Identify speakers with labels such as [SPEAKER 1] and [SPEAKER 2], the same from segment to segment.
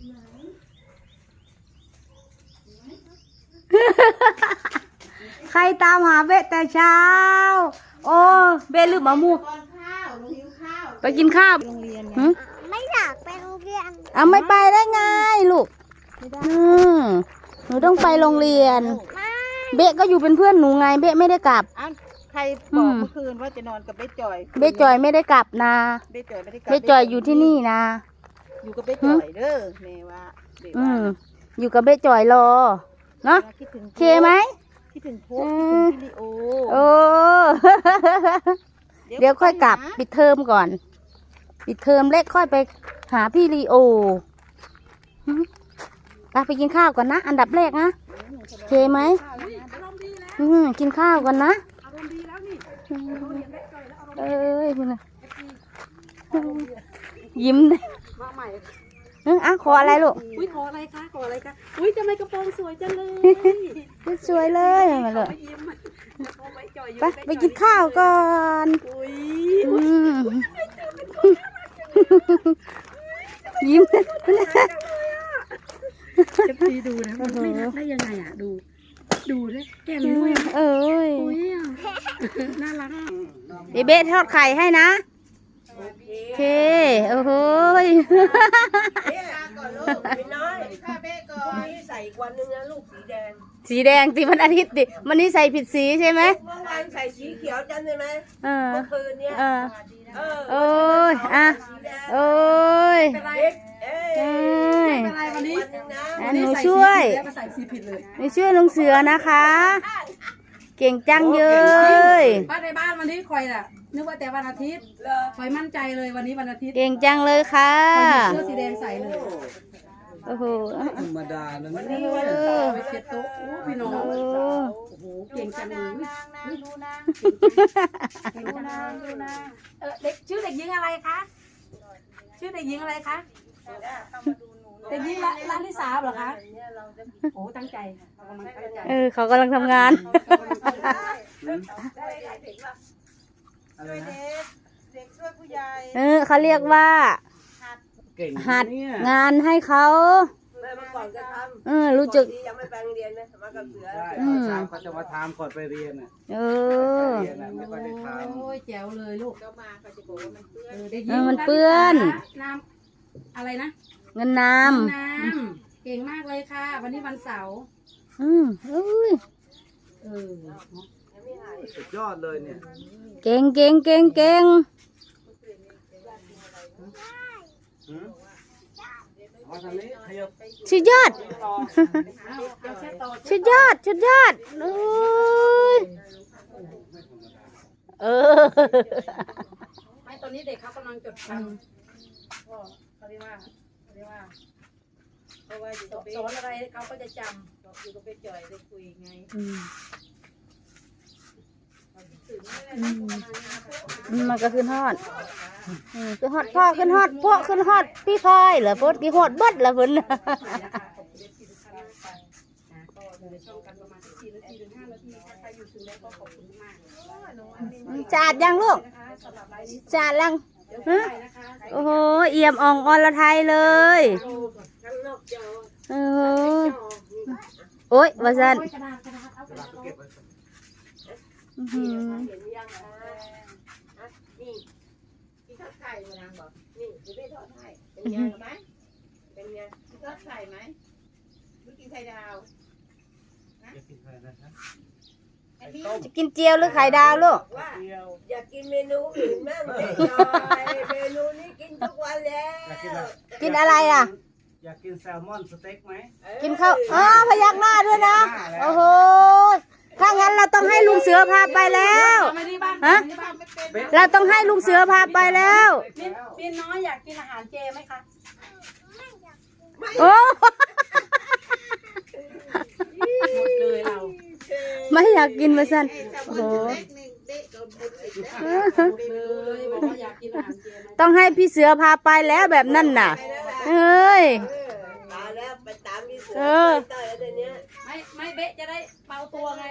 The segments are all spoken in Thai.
[SPEAKER 1] ใครตามหาเบะแต่เช้าโอ้เบะลืมเอาหมูไปกินข้าว
[SPEAKER 2] ไม่อยากไปโรงเรียน
[SPEAKER 1] เอาไม่ไปได้ไงลูกหนูต้องไปโรงเรียนเบะก็อยู่เป็นเพื่อนหนูไงเบะไม่ได้กลับ
[SPEAKER 3] ใครบอกเมื่อคืนว่าจะนอนกับเบ๊จอย
[SPEAKER 1] เบะจอยไม่ได้กลับนะ
[SPEAKER 3] เบ๊จอยไม่ได้กลับ
[SPEAKER 1] เบะจอยอยู่ที่นี่นะ
[SPEAKER 3] อยู่กับเบ๊จอยเด้อแม่ว่า
[SPEAKER 1] อยู่กับเบะจอยรอเนาะเคไหม
[SPEAKER 3] คิดถึงพวกคิดถึงพี่ลิโอ
[SPEAKER 1] โอ้เดี๋ยวค่อยกลับปิดเทอมก่อนปิดเทอมเล็กค่อยไปหาพี่ลีโอไปกินข้าวก่อนนะอันดับแรกนะเคไหมกินข้าวก่อนนะเอ้ยคุณนะยิ้มเลยขออะไรลูก
[SPEAKER 4] อุ้ยขออะไรคะขออะไรคะอุ้ยทำไมกระโปรงสวยจังเลย
[SPEAKER 1] สวยเลยมาเลยไปกินข้าวก่อนยิ้มเลย
[SPEAKER 4] จะพี่ดูนะมันไม่รักได้ยังไงอ่ะดูเลยแก้มด้วย
[SPEAKER 1] เอ้ย
[SPEAKER 4] น่ารัก
[SPEAKER 1] เบ๊ทอดไข่ให้นะโอเคโอ้โห
[SPEAKER 3] ข้าเบ๊ก่อนใส่วันนึงนะลูกสีแดง
[SPEAKER 1] สีแดงตีมันอาทิตย์ดิมันนี่ใส่ผิดสีใช่ไหม
[SPEAKER 3] เมื่อวานใส่สีเขียวจำได้ไหมเมื่อคืนเนี้ย
[SPEAKER 1] โอ้ยโอ้ย
[SPEAKER 4] วันนี้
[SPEAKER 1] หนูช่วยหนูช่วยลุงเสือนะคะเก่งจังเลย
[SPEAKER 4] บ้านในบ้านวันนี้คอยน่ะนึกว่าแต่วันอาทิตย์คอยมั่นใจเลยวันนี้วันอาทิตย์
[SPEAKER 1] เก่งจังเลยค่ะ
[SPEAKER 4] เสื้อสีแดงใส่เลย
[SPEAKER 1] โอ้โห
[SPEAKER 5] ธรรมดานะ
[SPEAKER 4] วันนี้วันไปเช็ดโต๊ะพี่น้องโอ้โหเก่งจังเลยเด็กชื่อเด็กหญิงอะไรคะชื่อเด็กหญิงอะไรคะเด็กหญิงร้านที่3เหรอคะโอ้ตั้งใจ
[SPEAKER 1] เขากำลังทำงาน
[SPEAKER 3] เด็กช่วยผู้ใหญ่
[SPEAKER 1] เขาเรียกว่าหัดงานให้เขา
[SPEAKER 3] เมื่อก่อนก็ทำ
[SPEAKER 1] รู้จัก
[SPEAKER 3] ยังไม่ไปโรงเรียนนะมากับเสือ
[SPEAKER 5] เขาจะมาทำก่อนไปเรียนอ่ะไม่ค่อยได้ทำ
[SPEAKER 4] โอ้ยแจ๋วเลยลูก
[SPEAKER 3] ก็มาเขาจะบอกว่ามัน
[SPEAKER 1] เปื้อน
[SPEAKER 4] น้ำอะไรนะ
[SPEAKER 1] เงินน้
[SPEAKER 4] ำเก่งมากเลยค่ะวันนี้วันเสาร์
[SPEAKER 5] สุดยอดเลยเนี่ย
[SPEAKER 1] เก่งสุดยอด
[SPEAKER 4] ไม่ตอนนี้เด็กเขากำลังจดจำเขาเรียกว่าสอนอะไรเขาก็จะจำอยู่กับเบ๊จอยได้คุยไง
[SPEAKER 1] มันก็ขึ้นฮอดขึ้นฮอดพ่อขึ้นฮอดพวกขึ้นฮอดพี่พลอยเหรอพวกกี่ฮอดบัดละเพิ่นจาดยังลูกจาดยังโอ้โหเอี่ยมอ่องอรไทยเลยโอ้ยว่าซั่น
[SPEAKER 3] นี่กินทอดไข่มานางบอกนี่จะได้ทอดไข่เป็นไงไหมเป็นไงกินทอดไข่ไหมหรือกินไข่ดาว
[SPEAKER 1] จะกินเจียวหรือไข่ดาวลูก
[SPEAKER 3] อยากกินเมนูอื่นมั่งเด็กน้อยเมนูนี้กินทุกวันแล้ว
[SPEAKER 1] กินอะไรล่ะ
[SPEAKER 5] อยากกินแซลมอนสเต็กไหม
[SPEAKER 1] กินข้าวพยักหน้าด้วยนะโอ้โหถ้างั้นเราต้องให้ลุงเสือพาไปแล้วฮะเราต้องให้ลุงเสือพาไปแล้ว
[SPEAKER 4] พี่น้อยอยากกินอาหารเจไหมคะ
[SPEAKER 1] โอ้
[SPEAKER 4] หมดเลยเรา
[SPEAKER 1] ไม่อยากกินมาสั่นโอ้โหต้องให้พี่เสือพาไปแล้วแบบนั่นน่ะเฮ้ย
[SPEAKER 4] ไม่เบ๊ะจะได้เบาตัวไง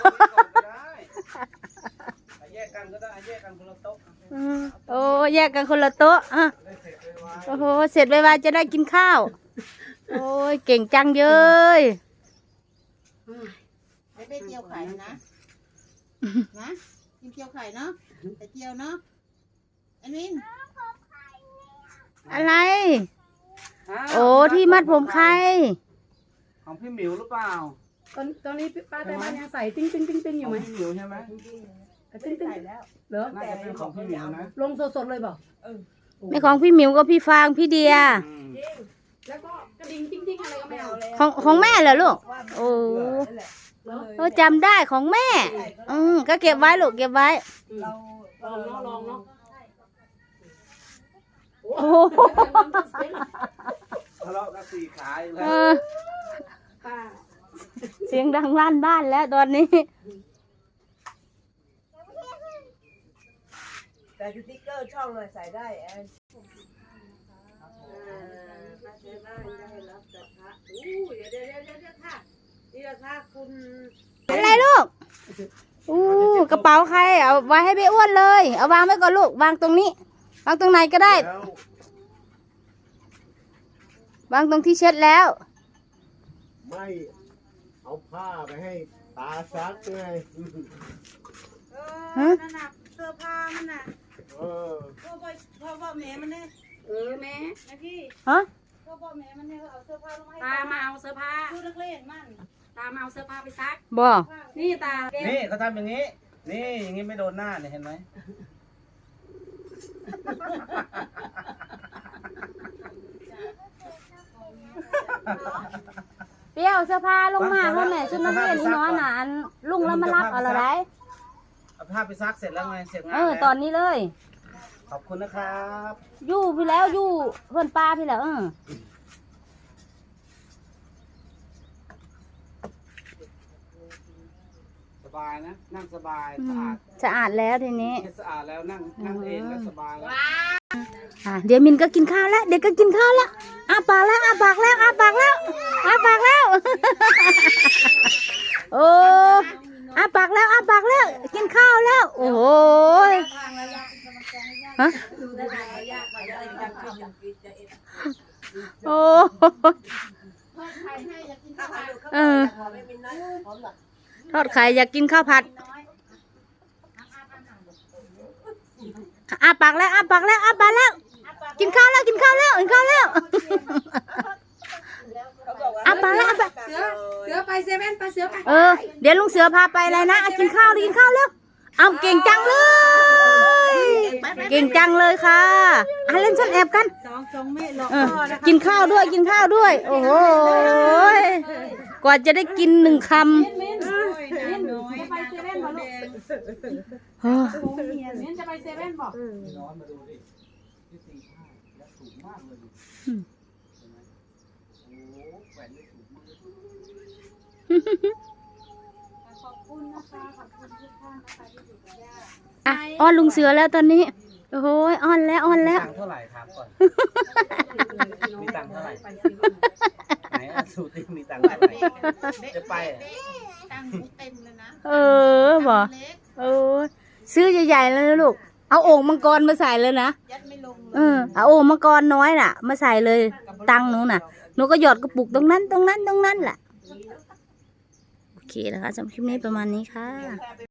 [SPEAKER 5] แยกกันก็ได้แยกกันคนละโต๊ะ
[SPEAKER 1] โอ้แยกกันคนละโต๊ะโอ้โหเสร็จไวๆจะได้กินข้าวโอ้ยเก่งจังเยย
[SPEAKER 3] ไอ้เบ้เจียวไข่นะนะกินเจียวไข่เนาะแต่เจียวเนาะไอ้มิน
[SPEAKER 1] อะไร
[SPEAKER 5] อ้าว
[SPEAKER 1] โอ้ที่มัดผมใคร
[SPEAKER 5] ของพี่หมิวหรือเปล่า
[SPEAKER 4] ตอนนี้ป้าแต่บ้านยังใส่ติ้งติ้งติ้งติ้งอยู่ไหม
[SPEAKER 5] ของพี่หมิวใช่ไหม
[SPEAKER 4] ติ้งติ้งเหรอ
[SPEAKER 5] น่าจะเป็นของพี่หมิวนะ
[SPEAKER 4] ลงสดๆเลยบอก
[SPEAKER 1] ไม่ของพี่หมิวก็พี่ฟางพี่เดีย
[SPEAKER 5] อืม
[SPEAKER 4] แล้วก็กระดิ่งติ้งติ้งอะไรก็ไม่เอา
[SPEAKER 1] ของแม่เหรอลูก โอ้โอ้จำได้ของแม่ ก็เก็บไว้ลูกเก็บไว้
[SPEAKER 4] ลองเนาะ
[SPEAKER 1] โอ้โห
[SPEAKER 5] ทะเลาะกัน4 ขาอยู่
[SPEAKER 1] เอ
[SPEAKER 5] แล้ว
[SPEAKER 1] อเสียงดังลั่นบ้านแล้วตอนนี้
[SPEAKER 3] แต่สติ๊กเกอร์ช่องเลยใส่ได้แอน
[SPEAKER 1] อะไรลูก อู้กระเป๋าใคร เอาไว้ให้พี่อ้วนเลย เอาวางไว้ก่อนลูก วางตรงนี้ วางตรงไหนก็ได้
[SPEAKER 5] แล้ว
[SPEAKER 1] วางตรงที่เช็ดแล้ว
[SPEAKER 6] ไม่เอาผ้าไปให้ตาซักไง
[SPEAKER 1] ฮะ
[SPEAKER 3] นั่นน่ะเสื้อผ้ามันน่ะ
[SPEAKER 6] เออ
[SPEAKER 3] พ่อแม่มันเนี่ย
[SPEAKER 4] แม่
[SPEAKER 3] นะพี่
[SPEAKER 1] ฮะ
[SPEAKER 3] พ่อแม่มันเนี่ยเอาเสื้อผ้าลงให้
[SPEAKER 4] ตามาเอาเสื้อผ้า
[SPEAKER 3] ดูนักเรียนมัน
[SPEAKER 4] ตามาเอาเสื้อผ้าไปซัก
[SPEAKER 1] บ่
[SPEAKER 4] นี่ตา
[SPEAKER 5] นี่เขาทำอย่างนี้ นี่อย่างนี้ไม่โดนหน้าเนี่ยเห็นไหม
[SPEAKER 1] เปรี้ยวเสื้อผ้าลงมาแล้วแม่ชุดนักเรียนนี่น้อยน่ะอันลุงแล้วมารับเอาละไร
[SPEAKER 5] เอาผ้าไปซักเสร็จแล้วไงเสร็จงาน
[SPEAKER 1] เออ
[SPEAKER 5] แล้ว
[SPEAKER 1] ตอนนี้เลย
[SPEAKER 5] ขอบคุณนะครับ
[SPEAKER 1] อยู่พี่แล้วอยู่เพื่อนป้าพี่แล้ว
[SPEAKER 5] สบายนะ นั่งสบาย
[SPEAKER 1] สะอาดแล้วทีนี้
[SPEAKER 5] สะอาดแล้วนั่งเองแล้วสบายแล้ว
[SPEAKER 1] เดี๋ยวมินก็กินข้าวแล้ว เดี๋ยวก็กินข้าวแล้วอ้าปากแล้วอ้าปากแล้วอ้าปากแล้วอ้าปากแล้ว โอ้อ้าปากแล้วอ้าปากแล้ว กินข้าวแล้ว โอ้โหฮะโอ้เออทอดไข่อยากกินข้าวผัดอ้าปากแล้วอ้าปากแล้วอ้าปากแล้ว กินข้าวแล้วกินข้าวแล้วกินข้าวแล้วอ้าปากแล้วอ้าปาก
[SPEAKER 4] เสือไปเซเว่นไปเสือไป
[SPEAKER 1] เดี๋ยวลุงเสือพาไปอะไรนะกินข้าวดิกินข้าวแล้วเอาเก่งจังเลย เก่งจังเลยค่ะเล่นซ่อนแอบกัน
[SPEAKER 3] สองเมตรหรอก
[SPEAKER 1] กินข้าวด้วยกินข้าวด้วย โอ้โหกว่าจะได้กิน1 คำ
[SPEAKER 4] จะไปเซเว่นบอกลูก มิ้นจะไปเซเว่นบอก
[SPEAKER 5] น้องมาดูดิที่ตีผ้าแล้วสูงมากเลยดิ
[SPEAKER 1] อืม
[SPEAKER 5] เห็นไหมโอ้โหแขวนได้สูงมาก
[SPEAKER 4] ขอบคุณนะคะขอบคุณทุกท่านนะคะที่อยู่กับย่า
[SPEAKER 1] อ้อนลุงเสือแล้วตอนนี้ โอ้โหอ้อนแล้วอ้อนแล้ว
[SPEAKER 5] ตังค์เท่าไหร่ถามก่อน มีตังค์เท่าไหร่ไหนอะสูติมีตังค์เท่าไหร่จะไปอะ
[SPEAKER 3] ตั้งเต็มเลยนะ
[SPEAKER 1] บ่
[SPEAKER 3] เล็ก
[SPEAKER 1] ซื้อใหญ่ๆเลยนะลูก เอาโอ่งมังกรมาใส่เลยนะ
[SPEAKER 3] ยัดไม่ลงเลย
[SPEAKER 1] เอาโอ่งมังกรน้อยน่ะ มาใส่เลย ตังค์หนูน่ะ หนูก็หยอดกระปุกตรงนั้นแหละ โอเคนะคะสำหรับคลิปนี้ประมาณนี้ค่ะ